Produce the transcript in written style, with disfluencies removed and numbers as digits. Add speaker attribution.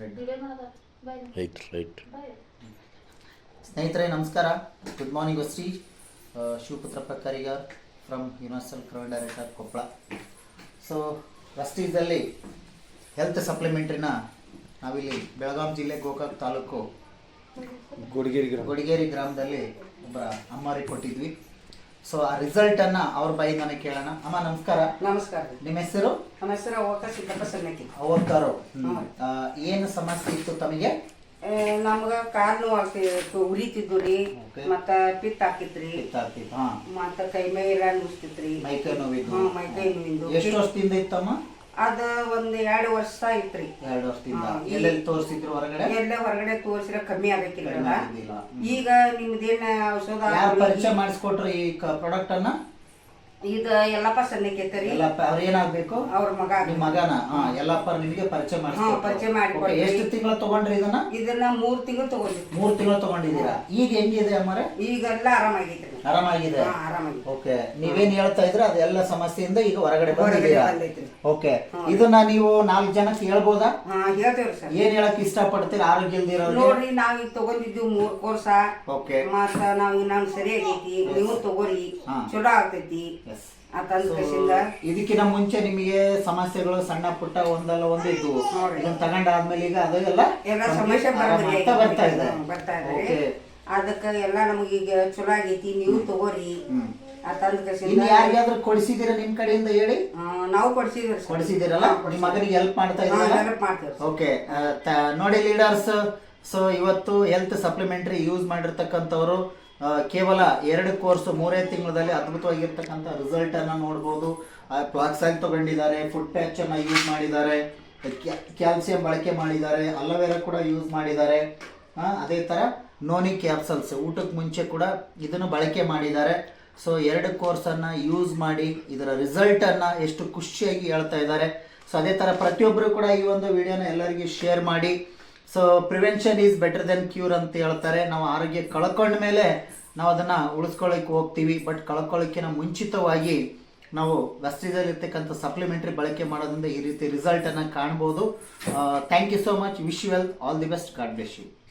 Speaker 1: Right.
Speaker 2: ಸ್ನೇಹಿತರೆ ನಮಸ್ಕಾರ, good morning Vestige. Shivaputrappa Karigar from universal crown director Koppal. So ವಸ್ತಿದಲ್ಲಿ ಹೆಲ್ತ್ ಸಪ್ಲಿಮೆಂಟ್ರಿನ ನಾವಿಲ್ಲಿ ಬೆಳಗಾವಿ ಜಿಲ್ಲೆ ಗೋಕಾಕ್ ತಾಲೂಕು ಗುಡಿಗೇರಿ ಗ್ರಾಮದಲ್ಲಿ ಒಬ್ಬರ ಅಮ್ಮಾರಿಗೆ ಕೊಟ್ಟಿದ್ವಿ. ಸೊ ಆ ರಿಸಲ್ಟನ್ನು ಅವ್ರ ಬಾಯಿಂದಾನೆ ಕೇಳೋಣ. ಅಮ್ಮ ನಮಸ್ಕಾರ.
Speaker 3: ನಮಸ್ಕಾರ.
Speaker 2: ನಿಮ್ಮ ಹೆಸರು?
Speaker 3: ನಮ್ಮ ಹೆಸರು ಅವಕ್ಕ ಸಿದ್ದಪ್ಪ ಸನ್ನಕಿ.
Speaker 2: ಅವತ್ತಾರು. ಏನು ಸಮಸ್ಯೆ ಇತ್ತು ತಮಗೆ?
Speaker 3: ನಮ್ಗ ಕಾಲ್ ನೋವು ಆಗ್ತಿತ್ತು, ಉರಿತಿದ್ದು ರೀ, ಮತ್ತ ಪಿತ್ತ ಹಾಕಿತ್ರಿ, ಮತ್ತ ಕೈ ಮೈ ಎಲ್ಲ ನುಸ್ತಿತ್ರಿ,
Speaker 2: ಮೈಕೈ ನೋವಿದ್ದು.
Speaker 3: ಮೈಕೈ ನೋವಿಂದು.
Speaker 2: ಎಷ್ಟು ವರ್ಷದಿಂದ ಇತ್ತಮ್ಮ?
Speaker 3: ಅದ ಒಂದ್ 2 ವರ್ಷ ಐತ್ರಿ.
Speaker 2: 2 ವರ್ಷದಿಂದ ಎಲ್ಲೆಲ್ಲಿ ತೋರಿಸಿದ್ರು? ಹೊರಗಡೆ
Speaker 3: ಎಲ್ಲ ಹೊರಗಡೆ ತೋರಿಸಿರ ಕಮ್ಮಿ ಆಗಕ್ಕಿಲ್ಲ. ಈಗ ನಿಮ್ದೇನ ಔಷಧ
Speaker 2: ಪರಿಚಯ ಮಾಡಿಸ್ಕೊಟ್ರು ಈ ಪ್ರಾಡಕ್ಟ್ ಅನ್ನ?
Speaker 3: ಇದ ಯಲ್ಲಪ್ಪ ಸನ್ನಕೇತರಿ.
Speaker 2: ಅವ್ರ ಏನಾಗ್ಬೇಕು?
Speaker 3: ಅವ್ರ ಮಗ.
Speaker 2: ನಿಮ್ ಮಗನ? ಯಲ್ಲಪ್ಪ ನಿಮಗೆ ಪರಿಚಯ
Speaker 3: ಪರಿಚಯ ಮಾಡಿ.
Speaker 2: ಎಷ್ಟು ತಿಂಗಳು ತಗೊಂಡ್ರಿ ಇದನ್ನ?
Speaker 3: ಇದನ್ನ 3 ತಿಂಗಳು ತಗೊಂಡ್ರಿ.
Speaker 2: 3 ತಿಂಗಳು ತಗೊಂಡಿದ್ದೀರಾ. ಈಗ ಹೆಂಗಿದೆ ಅಮ್ಮರೆ?
Speaker 3: ಈಗೆಲ್ಲ ಆರಾಮಾಗೈತ್ರಿ.
Speaker 2: ಆರಾಮಾಗಿದೆ.
Speaker 3: ಆರಾಮಾಗಿದೆ.
Speaker 2: ಓಕೆ, ನೀವೇನ್ ಹೇಳ್ತಾ ಇದ್ರ ಅದೆಲ್ಲ ಸಮಸ್ಯೆಯಿಂದ ಈಗ ಹೊರಗಡೆ ಬಂದಿದ್ದೀರಾ? ಓಕೆ, ಇದನ್ನ ನೀವು 4 ಜನಕ್ಕೆ ಹೇಳ್ಬೋದಾ?
Speaker 3: ಹೇಳ್ತೇವ್ರಿ ಸರ್.
Speaker 2: ಏನ್ ಹೇಳಕ್ ಇಷ್ಟಪಡ್ತೀರಾ ಆರೋಗ್ಯ ಇಲ್ದಿರೋ?
Speaker 3: ನೋಡ್ರಿ, ನಾವ್ ಈಗ ತಗೊಂಡಿದ್ದೀವಿ 3 ಕೋರ್ಸ.
Speaker 2: ಓಕೆ,
Speaker 3: ಮತ್ತ ನಾವ್ ನಾನು ಸರಿ ಆಗೈತಿ, ನೀವು ತಗೋರಿ, ಚಲೋ ಆಗ್ತೈತಿ
Speaker 2: ಇದಕ್ಕಿಂತ ಮುಂಚೆ ನಿಮಗೆ ಸಮಸ್ಯೆಗಳು ಸಣ್ಣ ಪುಟ್ಟ ಒಂದಲ್ಲ ಒಂದು ಇದ್ವು. ಇದನ್ನ ತಗೊಂಡಾದ್ಮೇಲೆ ಈಗ ಅದೆಲ್ಲ
Speaker 3: ಸಮಸ್ಯೆ
Speaker 2: ಬರ್ತಾ ಇದೆ.
Speaker 3: ಅದಕ್ಕ ಎಲ್ಲ ನಮಗೀಗ ಚಲೋ ಆಗೈತಿ, ನೀವು ತಗೋರಿ.
Speaker 2: ಯಾರಿಗಾದ್ರೂ ಕೊಡಿಸಿದೀರಾ ನಿಮ್ ಕಡೆಯಿಂದ ಹೇಳಿ?
Speaker 3: ನಾವು ಕೊಡಿಸಿದಿರಲ್ಲ,
Speaker 2: ನಿಮ್ ಮಗನಿಗೆ ಹೆಲ್ಪ್ ಮಾಡ್ತಾ ಇದ್ದೀರಾ? ಓಕೆ, ನೋಡಿ ಲೀಡರ್ಸ್, ಸೊ ಇವತ್ತು ಹೆಲ್ತ್ ಸಪ್ಲಿಮೆಂಟರಿ ಯೂಸ್ ಮಾಡಿರ್ತಕ್ಕಂಥವ್ರು ಕೇವಲ 2 ಕೋರ್ಸ್ 3 ತಿಂಗಳಲ್ಲಿ ಅದ್ಭುತವಾಗಿರ್ತಕ್ಕಂಥ ರಿಸಲ್ಟ್ ಅನ್ನ ನೋಡ್ಬೋದು. ಫ್ಲಾಕ್ಸ್ ಆಗಿ ತಗೊಂಡಿದ್ದಾರೆ, ಫುಡ್ ಪ್ಯಾಚ್ ಅನ್ನ ಯೂಸ್ ಮಾಡಿದ್ದಾರೆ, ಕ್ಯಾಲ್ಸಿಯಂ ಬಳಕೆ ಮಾಡಿದ್ದಾರೆ, ಅಲೋವೆರಾ ಕೂಡ ಯೂಸ್ ಮಾಡಿದ್ದಾರೆ. ಅದೇ ತರ ನೋನಿ ಕ್ಯಾಪ್ಸಲ್ಸ್ ಊಟಕ್ಕೆ ಮುಂಚೆ ಕೂಡ ಇದನ್ನು ಬಳಕೆ ಮಾಡಿದ್ದಾರೆ. ಸೊ 2 ಕೋರ್ಸ್ ಅನ್ನ ಯೂಸ್ ಮಾಡಿ ಇದರ ರಿಸಲ್ಟ್ ಅನ್ನ ಎಷ್ಟು ಖುಷಿಯಾಗಿ ಹೇಳ್ತಾ ಇದ್ದಾರೆ. ಸೊ ಅದೇ ತರ ಪ್ರತಿಯೊಬ್ಬರು ಕೂಡ ಈ ಒಂದು ವಿಡಿಯೋನ ಎಲ್ಲರಿಗೂ ಶೇರ್ ಮಾಡಿ. So prevention is better than cure ಅಂತ ಹೇಳ್ತಾರೆ. ನಾವು ಆರೋಗ್ಯ ಕಳ್ಕೊಂಡ ಮೇಲೆ ನಾವು ಅದನ್ನು ಉಳಿಸ್ಕೊಳ್ಳಿಕ್ಕೆ ಹೋಗ್ತೀವಿ, ಬಟ್ ಕಳ್ಕೊಳ್ಳೋಕ್ಕಿಂತ ಮುಂಚಿತವಾಗಿ ನಾವು ವಸ್ತಿದಲ್ಲಿರ್ತಕ್ಕಂಥ ಸಪ್ಲಿಮೆಂಟ್ರಿ ಬಳಕೆ ಮಾಡೋದ್ರಿಂದ ಈ ರೀತಿ ರಿಸಲ್ಟನ್ನು ಕಾಣ್ಬೋದು. Thank you so much. Wish you well, all the best, God bless you.